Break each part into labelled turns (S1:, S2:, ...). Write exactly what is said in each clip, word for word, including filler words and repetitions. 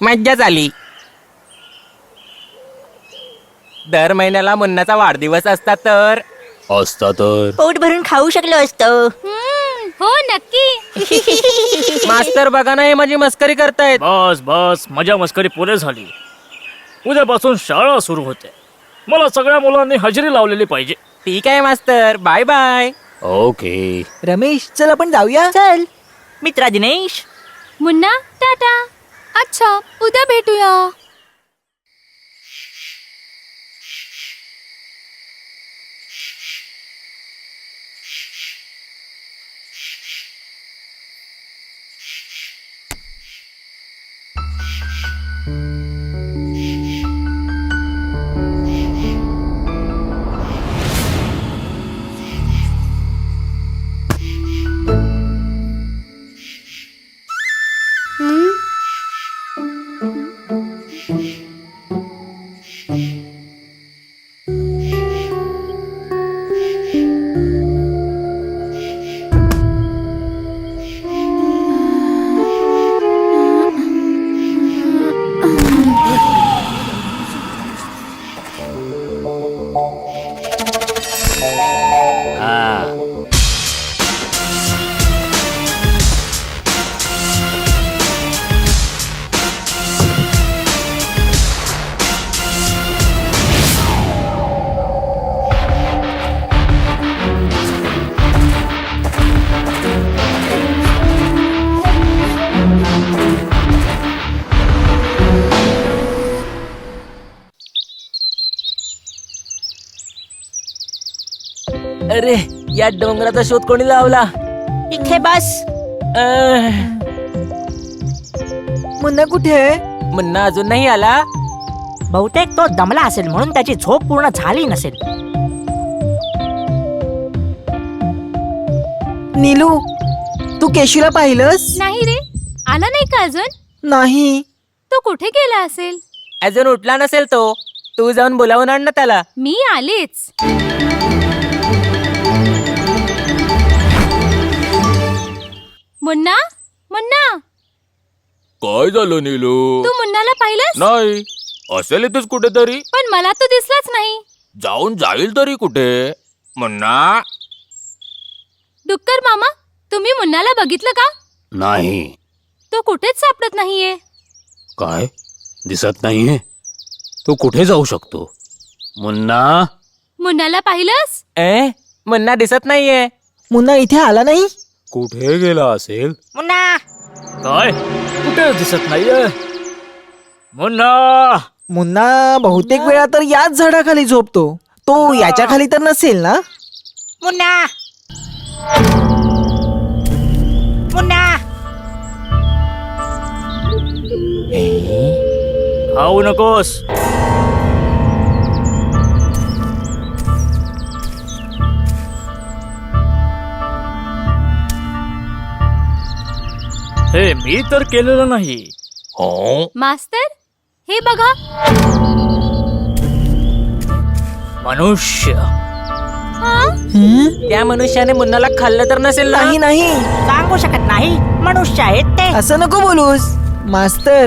S1: मज्जा झाली. दर महिन्याला मुन्नाचा वाढदिवस असता तर
S2: असता तर
S3: पोट भरून खाऊ शकलो असतो.
S4: हो नक्की.
S1: मास्तर बघा ना, हे माझी मस्करी करतायत.
S5: बस बस मजा मस्करी पुरे झाली. उद्यापासून शाळा सुरू होते. मला सगळ्या मुलांनी हजेरी लावलेली पाहिजे.
S1: ठीक आहे मास्तर, बाय बाय.
S2: ओके.
S6: रमेश चल आपण जाऊया.
S3: चल मित्रा दिनेश.
S4: मुन्ना टाटा. अच्छा, उद्या भेटूया.
S6: अरे या डोंगराचा शोध कोणी लावला?
S3: इथे बस.
S1: अं,
S6: मुन्ना कुठे आहे?
S1: मुन्ना अजून नाही आला.
S3: बहुतेक तो दमला असेल म्हणून त्याची झोप पूर्ण झाली नसेल.
S6: नीलू तू केशूला पाहिलंस?
S4: नाही रे, आला नाही का अजून?
S6: नाही.
S4: तो कुठे गेला असेल?
S1: अजून उठला नसेल तो. तू जाऊन बोलावून आण ना त्याला.
S4: मी आलेच. मुन्ना मुन्ना,
S2: काय झालं नीलू?
S4: तू मुन्नाला पाहिलंस?
S2: नाही, असेल इथेच कुठेतरी.
S4: पण मला तो दिसलाच नाही.
S2: जाऊन जाईल तरी कुठे. मुन्ना.
S4: डुक्कर मामा, तुम्ही मुन्नाला बघितलं का?
S2: नाही.
S4: तो कुठेच सापडत नाहीये.
S2: काय दिसत नाहीये? तो कुठे जाऊ शकतो? मुन्ना.
S4: मुन्नाला पाहिलंस?
S1: ए मुन्ना दिसत नाहीये.
S6: मुन्ना इथे आला नाही.
S2: कुठे गेला असेल?
S3: मुन्ना.
S5: काय कुठे दिसत नाहीये? मुन्ना.
S6: मुन्ना बहुतेक वेळा तर याच झाडाखाली झोपतो. तो याच्या खाली तर नसेल ना?
S3: मुन्ना. मुन्ना.
S5: खाऊ नकोस. हे मी तर केलेलं नाही.
S2: हो.
S4: मास्तर, हे बघा.
S5: मनुष्य.
S4: हा?
S6: हं?
S1: त्या मनुष्याने मुन्नाला खाल्लं तर नसेल ना?
S6: नाही नाही
S3: सांगू शकत नाही. मनुष्य आहेत ते.
S6: असं नको बोलूस मास्तर.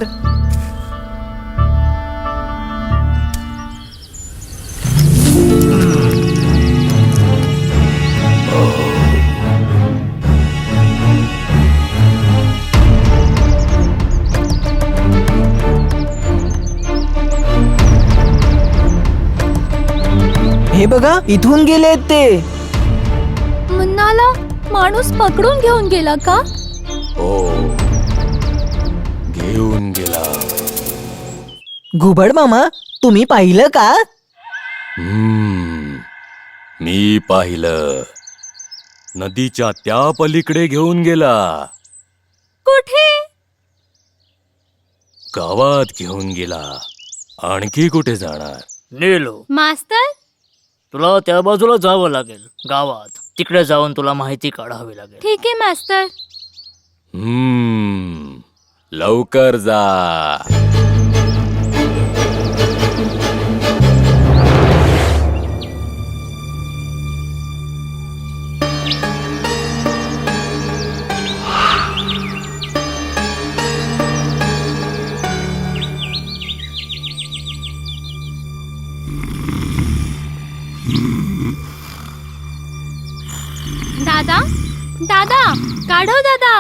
S6: हे बघा इथून गेलेत ते.
S4: मुन्नाला माणूस पकडून घेऊन गेला का?
S2: हो, घेऊन गेला.
S6: घुबड मामा तुम्ही पाहिलं का?
S2: हम्म, मी पाहिलं. नदीच्या त्या पलीकडे घेऊन गेला.
S4: कुठे?
S2: गावात घेऊन गेला. आणखी कुठे जाणार?
S5: नीलू,
S4: मास्तर,
S5: तुला त्या बाजूला जावं लागेल. गावात तिकडे जाऊन तुला माहिती काढावी लागेल.
S4: ठीक आहे मास्तर.
S2: हम्म, लवकर जा.
S4: दादा काढव दादा.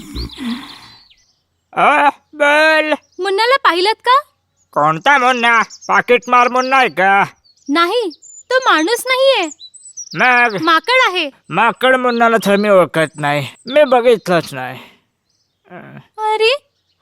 S5: बोल.
S4: मुन्नाला पाहिलत का?
S5: कोणता मुन्ना? पाकिट मार मुन्ना आहे का?
S4: नाही, तो माणूस नाहीये,
S5: मग
S4: माकड आहे.
S5: माकड मुन्नाला तर मी ओळखत नाही, मी बघितलंच नाही.
S4: अरे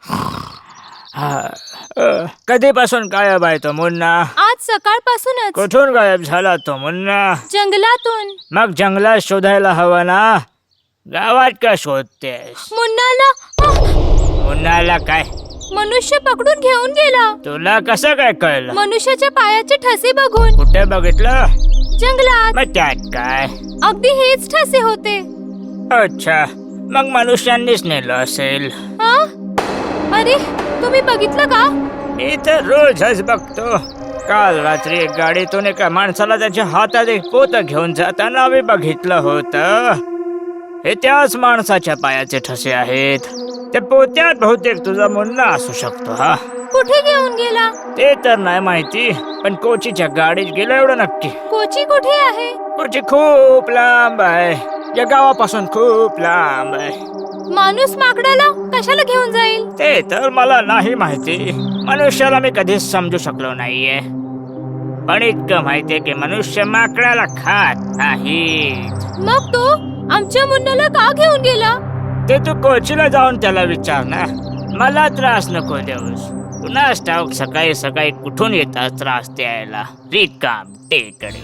S5: कधीपासून गायब आहे तो मुन्ना?
S4: आज सकाळपासूनच.
S5: कुठून गायब झाला तो मुन्ना?
S4: जंगलातून.
S5: मग जंगलात शोधायला हवं ना, गावात का शोधतेस?
S4: मुन्नाला आह!
S5: मुन्नाला काय?
S4: मनुष्य पकडून घेऊन गेला.
S5: तुला कसं काय कळलं?
S4: मनुष्याच्या पायाचे ठसे बघून.
S5: कुठे बघितलं?
S4: जंगलात.
S5: मग त्यात काय?
S4: अगदी हेच ठसे होते.
S5: अच्छा, मग मनुष्यांनीच नेलं असेल.
S4: हा? अरे तुम्ही बघितलं का?
S5: मी तर रोजच बघतो. काल रात्री एक गाडीतून एका माणसाला त्याच्या हातात एक पोतं घेऊन जाताना मी बघितलं होतं. हे त्याच माणसाच्या पायाचे ठसे आहेत. त्या पोत्यात बहुतेक तुझा मुन्ना असू शकतो. हा,
S4: कुठे घेऊन गेला?
S5: ते तर नाही माहिती, पण कोचीच्या गाडीत गेला एवढं नक्की.
S4: कोची कुठे आहे?
S5: कोची खूप लांब आहे, या गावापासून खूप लांब आहे.
S4: माणूस माकडाला कशाला घेऊन जाईल?
S5: ते तर मला नाही माहिती. मनुष्याला मी कधीच समजू शकलो नाहीये, पण इतकं माहितीये की मनुष्य माकडाला खात नाही.
S4: मग तो आमच्या मुन्नाला का घेऊन गेला?
S5: ते तू कोचीला जाऊन त्याला विचार ना, मला त्रास नको देऊस. पुन्हा ठाऊक सकाळी सकाळी कुठून येतात त्रास द्यायला, रिकाम टेकडे.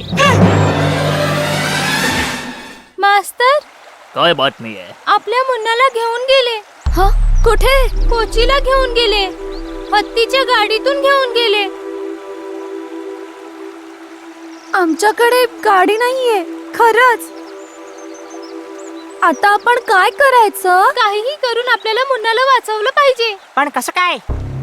S4: मास्तर,
S5: काय बातमी आहे?
S4: आपल्या मुन्नाला घेऊन गेले. हा? कुठे? कोचीला घेऊन गेले. हत्तीच्या गाडीतून घेऊन गेले. आमच्याकडे गाडी नाहीये. खरंच. आता आपण काय करायचं? काहीही करून आपल्याला मुन्नाला वाचवलं पाहिजे.
S3: पण कसं काय?